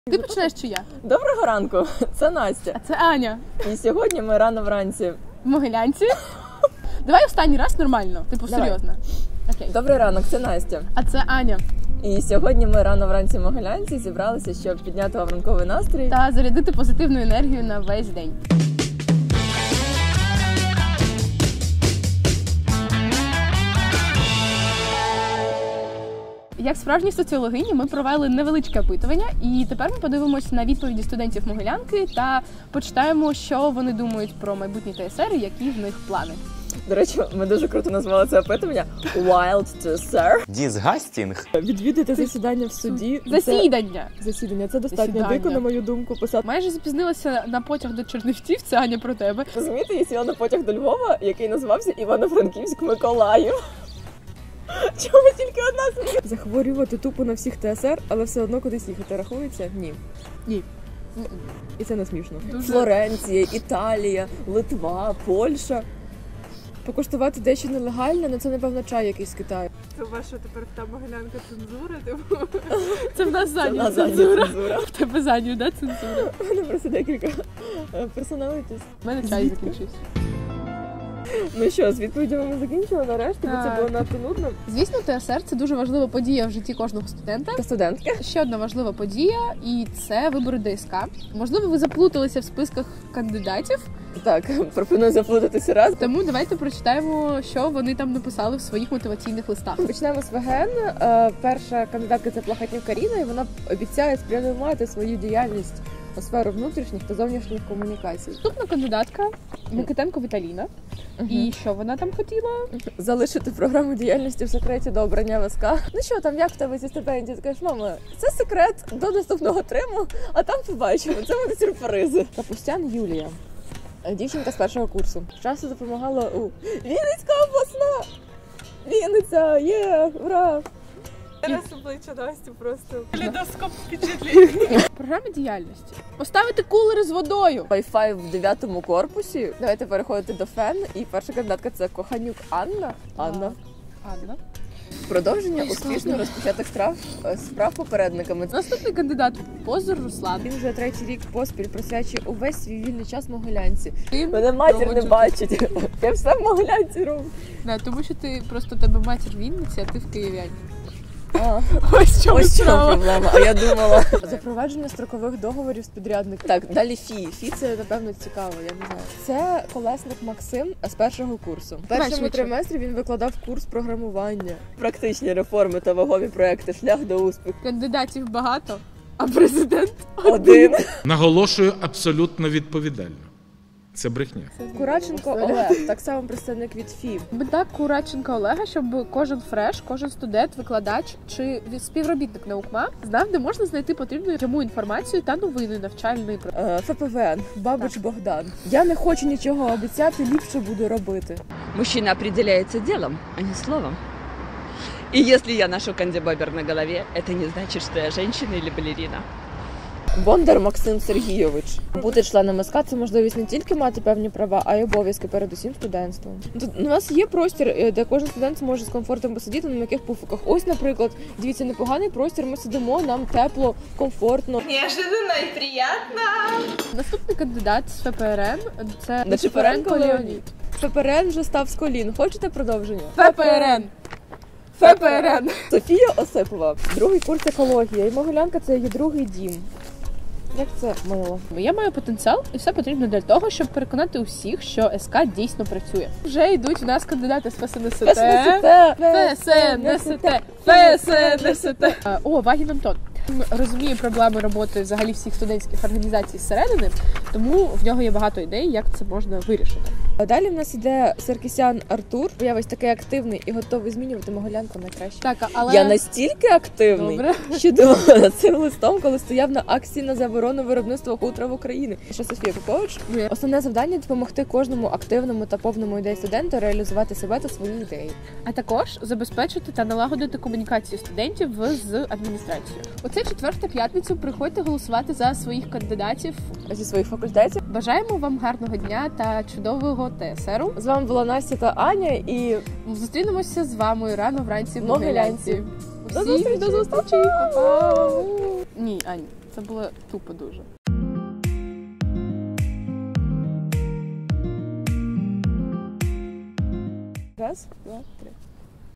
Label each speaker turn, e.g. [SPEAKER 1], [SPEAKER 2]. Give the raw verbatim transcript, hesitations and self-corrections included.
[SPEAKER 1] Ти почнеш чи я?
[SPEAKER 2] Доброго ранку, це Настя.
[SPEAKER 1] А це Аня.
[SPEAKER 2] І сьогодні ми рано вранці.
[SPEAKER 1] В Могилянці. Давай останній раз нормально, типу
[SPEAKER 2] Давай.
[SPEAKER 1] серйозно. Окей.
[SPEAKER 2] Добрий ранок, це Настя.
[SPEAKER 1] А це Аня.
[SPEAKER 2] І сьогодні ми рано вранці в Могилянці зібралися, щоб підняти вам ранковий настрій.
[SPEAKER 1] Та зарядити позитивну енергію на весь день. Як справжні соціологині ми провели невеличке опитування, і тепер ми подивимося на відповіді студентів Могилянки та почитаємо, що вони думають про майбутній ТСР і які в них плани.
[SPEAKER 2] До речі, ми дуже круто назвали це опитування Wild to Sir.
[SPEAKER 3] Дізгастінг.
[SPEAKER 2] Відвідати засідання в суді.
[SPEAKER 1] Засідання!
[SPEAKER 2] Це... Засідання. Це достатньо
[SPEAKER 1] Засідання.
[SPEAKER 2] дико, на мою думку, писати.
[SPEAKER 1] Майже запізнилася на потяг до Чернівців, це Аня про тебе.
[SPEAKER 2] Розумієте, я сіла на потяг до Львова, який називався Івано-Франківськ-Миколаїв. Чому тільки одна сім'я? Захворювати тупо на всіх ТСР, але все одно кудись їхати рахується? Ні.
[SPEAKER 1] Ні.
[SPEAKER 2] І це не смішно.
[SPEAKER 1] Дуже.
[SPEAKER 2] Флоренція, Італія, Литва, Польща. Покуштувати дещо нелегальне, але це, напевно, чай якийсь з Китаю.
[SPEAKER 4] Це ваша тепер та Могилянка цензура, типу?
[SPEAKER 1] Це в нас
[SPEAKER 2] Це
[SPEAKER 1] задню
[SPEAKER 2] на задня
[SPEAKER 1] цензура.
[SPEAKER 2] цензура.
[SPEAKER 1] В тебе задню, да, цензура?
[SPEAKER 2] У мене просто декілька персоналітіс.
[SPEAKER 1] У мене чай закінчився.
[SPEAKER 2] Ну що, з відповідями ми закінчили нарешті, бо це
[SPEAKER 1] Так.
[SPEAKER 2] було надто нудно.
[SPEAKER 1] Звісно, ТСР – це дуже важлива подія в житті кожного студента.
[SPEAKER 2] Та студентки.
[SPEAKER 1] Ще одна важлива подія, і це вибори ДСК. Можливо, ви заплуталися в списках кандидатів,
[SPEAKER 2] Так, пропоную заплутатися раз.
[SPEAKER 1] тому давайте прочитаємо, що вони там написали в своїх мотиваційних листах.
[SPEAKER 2] Почнемо з ВГН. Е, Перша кандидатка – це Плахатнюк Каріна, і вона обіцяє спрямувати свою діяльність у сферу внутрішніх та зовнішніх комунікацій.
[SPEAKER 1] Наступна кандидатка – Микитенко Віталіна. І що вона там хотіла?
[SPEAKER 2] Залишити програму діяльності в секреті до обрання ВСК. Ну що там, як в тебе зі стипендії? Ти кажеш, мама, це секрет до наступного триму, а там побачимо. Це буде сюрпризи. Капустян Юлія. Дівчинка з першого курсу. Часто допомагала у Вінницька обласна! Вінниця! Є! Ура!
[SPEAKER 4] Зараз обличчя Насті просто лідоскоп впечатлень.
[SPEAKER 1] Програма діяльності. Поставити кулери з водою.
[SPEAKER 2] Wi-Fi в дев'ятому корпусі. Давайте переходити до ФЕН. І перша кандидатка – це Коханюк Анна. Анна.
[SPEAKER 1] Анна.
[SPEAKER 2] Продовження успішно розпочатих справ, справ попередниками.
[SPEAKER 1] Наступний кандидат – Позор Руслан.
[SPEAKER 2] Він вже третій рік поспіль присвячує увесь свій вільний час Могилянці.
[SPEAKER 1] Ти
[SPEAKER 2] Мене матір не
[SPEAKER 1] проводжу-
[SPEAKER 2] бачить. Я все в Могилянці роблю.
[SPEAKER 1] Да, тому що ти просто тебе матір в Вінниці, а ти в Києві.
[SPEAKER 2] А,
[SPEAKER 1] Ось в чому
[SPEAKER 2] ось в чому
[SPEAKER 1] справа.
[SPEAKER 2] проблема. А я думала. Запровадження строкових договорів з підрядником. Так, далі ФІ. ФІ це, напевно, цікаво, я не знаю. Це Колесник Максим з першого курсу. В першому
[SPEAKER 1] швидше.
[SPEAKER 2] триместрі він викладав курс програмування. Практичні реформи та вагові проекти. Шлях до успіху.
[SPEAKER 1] Кандидатів багато, а президент
[SPEAKER 2] Один.
[SPEAKER 5] Наголошую абсолютно відповідально. Це брехня.
[SPEAKER 2] Кураченко Олег, так само представник від ФІ.
[SPEAKER 1] Мета Кураченка Олега, щоб кожен фреш, кожен студент, викладач чи співробітник наукма знав, де можна знайти потрібну йому інформацію та новини навчальної про.
[SPEAKER 2] Е, ФПВН, Бабич Богдан. Я не хочу нічого обіцяти, ліпше буду робити.
[SPEAKER 6] Мужчина определяется делом, а не словом. И если я ношу кандибобер на голове, это не значит, что я женщина или балерина.
[SPEAKER 2] Бондар Максим Сергійович. Бути членом СК – це можливість не тільки мати певні права, а й обов'язки перед усім студентством. Тут у нас є простір, де кожен студент зможе з комфортом посидіти на м'яких пуфиках. Ось, наприклад, дивіться, непоганий простір, ми сидимо, нам тепло, комфортно.
[SPEAKER 4] Неожиданно і приємно.
[SPEAKER 1] Наступний кандидат з ФПРН – це
[SPEAKER 2] Нечипоренко Леонід. ФПРН вже став з колін. Хочете продовження?
[SPEAKER 1] ФПРН. ФПРН.
[SPEAKER 2] Софія Осипова. Другий курс екологія. І Могилянка – це її другий дім. Як це мило.
[SPEAKER 1] Я маю потенціал, і все потрібно для того, щоб переконати усіх, що СК дійсно працює. Вже йдуть у нас кандидати з ФСНСТ. ФСНСТ. ФСНСТ. О, Вагін Антон. Він розуміє проблеми роботи взагалі всіх студентських організацій зсередини, тому в нього є багато ідей, як це можна вирішити.
[SPEAKER 2] Далі в нас іде Саркісян Артур. Я ось такий активний і готовий змінювати Могилянку найкраще.
[SPEAKER 1] Так, але...
[SPEAKER 2] Я настільки активний,
[SPEAKER 1] Добре.
[SPEAKER 2] що думала над цим листом, коли стояв на акції на заборону виробництва хутра в Україні. Що Софія Попович?
[SPEAKER 1] Ні.
[SPEAKER 2] Основне завдання – допомогти кожному активному та повному ідеї студенту реалізувати себе та свої ідеї.
[SPEAKER 1] А також забезпечити та налагодити комунікацію студентів з адміністрацією. Оце четверта п'ятницю. Приходьте голосувати за своїх кандидатів.
[SPEAKER 2] Зі своїх факультетів.
[SPEAKER 1] Бажаємо вам гарного дня та чудового ТСРу.
[SPEAKER 2] З вами була Настя та Аня і
[SPEAKER 1] Зустрінемося з вами рано вранці в
[SPEAKER 2] Могилянці.
[SPEAKER 1] Могилянці.
[SPEAKER 2] До
[SPEAKER 1] Всім
[SPEAKER 2] зустрічі!
[SPEAKER 1] До зустрічі! Па-па! Ні, Ань. Це було тупо дуже.
[SPEAKER 2] Раз, два, три.